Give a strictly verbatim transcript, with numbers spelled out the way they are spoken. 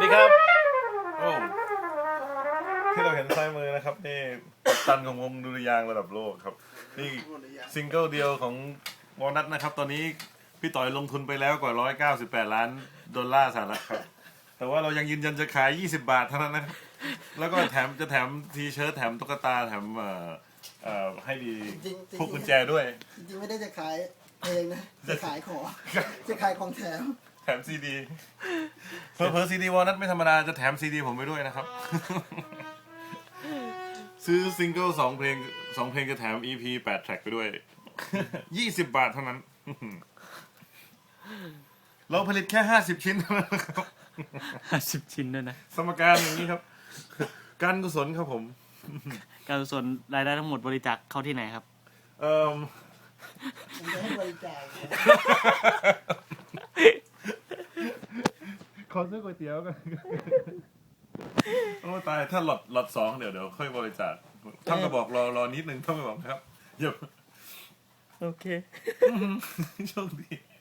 ดีครับโอ้ที่เราเห็นซ้ายมือนะครับนี่กัปตันของวงดุริยางค์ระดับโลกครับนี่ซิงเกิลเดียวของวอลนัทนะครับตอนนี้พี่ต่อยลงทุนไปแล้วกว่าหนึ่งร้อยเก้าสิบแปดล้านดอลลาร์สหรัฐครับแต่ว่าเรายังยืนยันจะขายยี่สิบบาทเท่านั้นนะครับแล้วก็แถมจะแถมทีเชิ้ตแถมตุ๊กตาแถมเอ่อเอ่อให้ดีพวกกุญแจด้วยจริงๆไม่ได้จะขายเพลงนะจะขายของจะขายของแถมแถมซีดีเพอเพอซีดีวอลนัทไม่ธรรมดาจะแถมซีดีผมไปด้วยนะครับซื้อซิงเกิลสองเพลงสองเพลงจะแถม อี พี แปดแทร็กไปด้วยยี่สิบบาทเท่านั้นเราผลิตแค่ห้าสิบชิ้นเท่านั้นครับห้าสิบชิ้นด้วยนะสมการอย่างนี้ครับการกุศลครับผมการกุศลรายได้ทั้งหมดบริจาคเข้าที่ไหนครับเอ่อผมจะให้บริจาคขอซื้อก๋วยเตี๋ยวกันโอ้ตายถ้าหลอดหลอดสองเดี๋ยวเดี๋ยวค่อยบริจาคท่านก็บอกรอรอนิดนึงท่านก็บอกครับเดี๋ยวโอเคโชคดี